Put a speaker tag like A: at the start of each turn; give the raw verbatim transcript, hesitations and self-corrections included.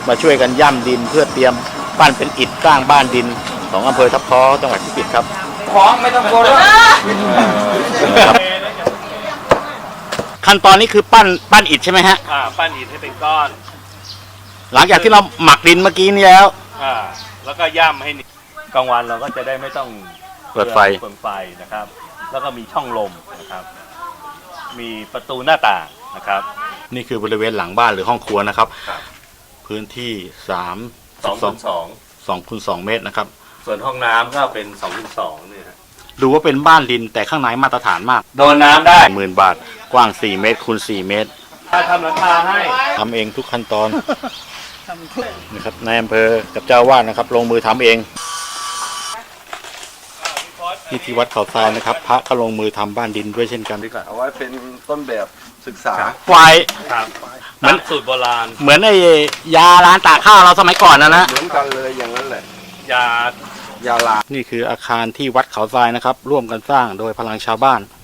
A: มาช่วยกันย่ำดินเพื่อเตรียมปั้นเป็นอิฐสร้างบ้านดินของอำเภอทับท้อจังหวัดพิจิตรครับของไม่ต้องกลัวขั้นตอนนี้คือปั้นปั้นอิฐใช่ไหมฮะ
B: อ่าปั้นอิฐให้เป็นก้อน
A: หลังจากที่เราหมักดินเมื่อกี้นี้แล้ว
B: อ่าแล้วก็ย่ำให้กลางวันเราก็จะได้ไม่ต้อง
A: เปิดไฟ
B: เปิดไฟนะครับแล้วก็มีช่องลมนะครับมีประตูหน้าต่างนะครับ
A: นี่คือบริเวณหลังบ้านหรือห้องครัวนะครับพื้นที่สาม
B: สองคูณสอง
A: สองคูณสองเมตรนะครับ
B: ส่วนห้องน้ำก็เป็นสองคูณสองเนี่ย
A: ดูว่าเป็นบ้านดินแต่ข้างในมาตรฐานมาก
B: โดนน้ำได้
A: หมื่นบาทกว้างสี่เมตรคูณสี่เมตร
B: ถ้าทำหลังคาให้
A: ทำเองทุกขั้นตอนนะครับนายอำเภอกับเจ้าวาดนะครับลงมือทำเองที่ที่วัดเขาทรายนะครับพระก็ลงมือทำบ้านดินด้วยเช่นกันด้วยกัน
C: เอาไว้เป็นต้นแบบศึกษา
A: ไฟ
B: เหมือนสูตรโบราณ
A: เหมือนไอ้ยาล้างตากข้าวเราสมัยก่อนนะนะ
C: เหมือนกันเลยอย่างนั้นแหละ
B: ยาย
C: าลา
A: นี่คืออาคารที่วัดเขาทรายนะครับร่วมกันสร้างโดยพลังชาวบ้าน